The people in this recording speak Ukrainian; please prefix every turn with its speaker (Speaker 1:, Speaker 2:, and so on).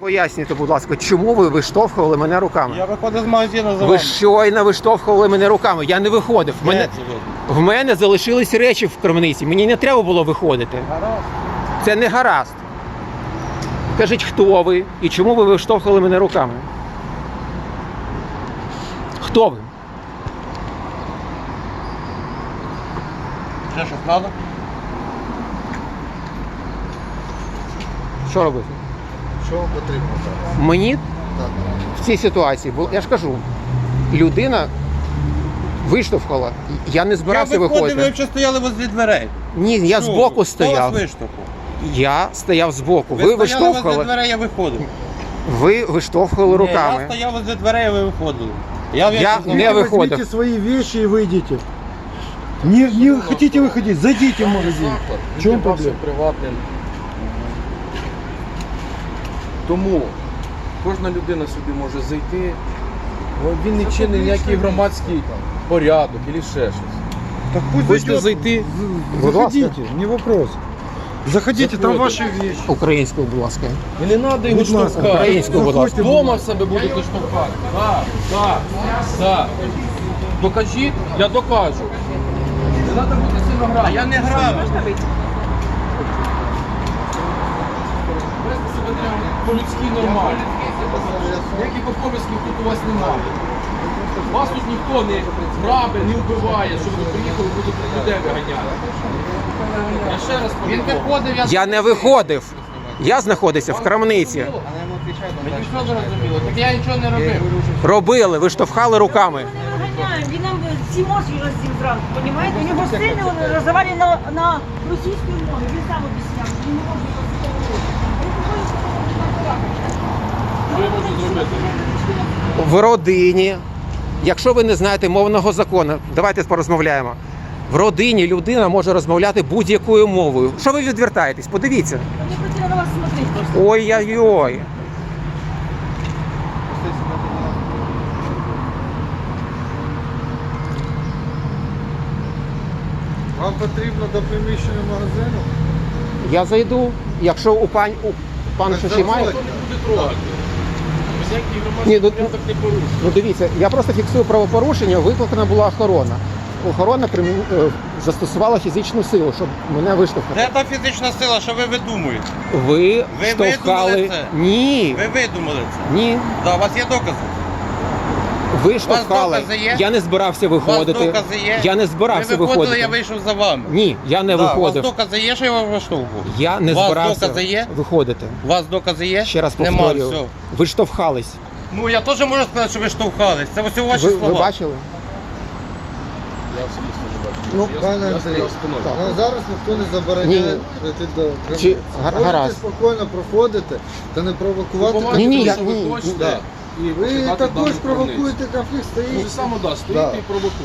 Speaker 1: Поясніть, будь ласка, чому ви виштовхували мене руками?
Speaker 2: Я виходив з магазину за
Speaker 1: Ви
Speaker 2: вами.
Speaker 1: щойно виштовхували мене руками. Я не виходив. В мене залишились речі в крамниці. Мені не треба було виходити.
Speaker 2: Гаразд.
Speaker 1: Це не гаразд. Кажіть, хто ви і чому ви виштовхували мене руками? Хто ви?
Speaker 2: Ще щось треба?
Speaker 1: Що робити?
Speaker 3: Що вам потрібно зараз?
Speaker 1: Мені
Speaker 3: Так.
Speaker 1: в цій ситуації, я ж кажу, людина виштовхала. Я не збирався
Speaker 2: Я виходив, ви
Speaker 1: виходити.
Speaker 2: взагалі стояли возле дверей.
Speaker 1: Ні, я
Speaker 2: Що
Speaker 1: збоку
Speaker 2: ви?
Speaker 1: стояв.
Speaker 2: Хто вас виштовхував?
Speaker 1: Я стояв збоку. Ви
Speaker 2: стояли возле
Speaker 1: виштовхували.
Speaker 2: дверей, я виходив.
Speaker 1: Ви виштовхували
Speaker 2: Ні,
Speaker 1: руками.
Speaker 2: я стояв возле дверей, ви виходили. Я
Speaker 1: не выходил.
Speaker 4: Возьмите свои вещи и выйдите. Не хотите выходить, зайдите в магазин. В чем проблема?
Speaker 3: Приватним. Тому кожна людина собі може зайти. Він не чинить ніякий громадський порядок або ще щось.
Speaker 4: Так пусть
Speaker 3: Хочете
Speaker 4: зайдет.
Speaker 3: зайти?
Speaker 1: Будь ласка.
Speaker 4: Заходите, не вопрос. Заходите, там
Speaker 3: Заходите.
Speaker 4: ваши вещи.
Speaker 1: Українською, будь ласка.
Speaker 3: І не треба його
Speaker 4: Будь ласка.
Speaker 3: штовхати.
Speaker 1: Українською, будь ласка.
Speaker 3: Дома в себе будете штовхати. Так. Докажіть, я докажу. Не треба бути сильно грати.
Speaker 2: А я не грав.
Speaker 3: Вести себе треба по-людськи нормально. Ніяких обов'язків тут у вас немає. Вас тут ніхто не грабе, не вбиває, щоб ви приїхали, будете людей виганяти. Я ще раз
Speaker 2: Він
Speaker 3: повідомив.
Speaker 2: виходив,
Speaker 1: Я не виходив. Я знаходився в крамниці.
Speaker 2: Мені що зрозуміло? Так я нічого не робив.
Speaker 1: Робили, виштовхали руками.
Speaker 5: Ми не виганяємо, він нам всі мозги роздів зранку, понімаєте? У нього сильно роздавали на російській мові, він сам об'ясняв, що він не може
Speaker 3: Що я можу зробити?
Speaker 1: В родині, якщо ви не знаєте мовного закону, давайте порозмовляємо. В родині людина може розмовляти будь-якою мовою. Що ви відвертаєтесь? Подивіться.
Speaker 5: Мені хотіли на вас смотрети просто.
Speaker 1: Ой-ой-ой.
Speaker 4: Вам потрібно до приміщення магазину?
Speaker 1: Я зайду, якщо у пана щось має.
Speaker 3: Ніхто не буде трогати. Всякий
Speaker 1: Ні,
Speaker 3: громадський
Speaker 1: ну,
Speaker 3: порядок не порушує.
Speaker 1: Ну дивіться, я просто фіксую правопорушення, викликана була охорона. Охорона застосувала фізичну силу, щоб мене виштовхати.
Speaker 2: Де та фізична сила, що ви видумуєте?
Speaker 1: Ви
Speaker 2: Ви
Speaker 1: штовхали.
Speaker 2: видумали це?
Speaker 1: Ні.
Speaker 2: Ви видумали це.
Speaker 1: Ні.
Speaker 2: Да, у вас є докази?
Speaker 1: Ви штовхали.
Speaker 2: докази є?
Speaker 1: Я не збирався
Speaker 2: У вас
Speaker 1: виходити.
Speaker 2: докази є?
Speaker 1: Я не збирався
Speaker 2: Ви виходили,
Speaker 1: виходити.
Speaker 2: я вийшов за вами.
Speaker 1: Ні, я не
Speaker 2: Да, у
Speaker 1: виходив.
Speaker 2: вас докази є, що я вас виштовхував?
Speaker 1: Я не
Speaker 2: У вас
Speaker 1: збирався
Speaker 2: докази є?
Speaker 1: виходити.
Speaker 2: У вас докази є?
Speaker 1: Ще раз
Speaker 2: Нема,
Speaker 1: повторюю.
Speaker 2: все.
Speaker 1: Ви штовхались.
Speaker 2: Ну я теж можу сказати, що ви штовхались. Це ось ваші
Speaker 1: Ви
Speaker 2: слова.
Speaker 1: бачили?
Speaker 3: Я особисто не бачу.
Speaker 4: Ну,
Speaker 3: Я
Speaker 4: пане
Speaker 3: стояв
Speaker 4: Андрій,
Speaker 3: спиною.
Speaker 4: ну, зараз ніхто не забороняє
Speaker 1: Ні.
Speaker 4: прийти до крамниці.
Speaker 1: Чи-
Speaker 4: Можете
Speaker 1: гаразд.
Speaker 4: спокійно проходити та не провокувати.
Speaker 3: Побачите,
Speaker 1: Ні, ні,
Speaker 3: що
Speaker 1: я-
Speaker 3: ви
Speaker 1: ні,
Speaker 3: хочете,
Speaker 4: да.
Speaker 3: і
Speaker 4: Ви
Speaker 3: починати
Speaker 4: також
Speaker 3: дану
Speaker 4: провокуєте
Speaker 3: крамницю.
Speaker 4: конфлікт,
Speaker 3: Ви
Speaker 4: стоїть.
Speaker 3: ж саме стоїте
Speaker 4: Да.
Speaker 3: і провокуєте.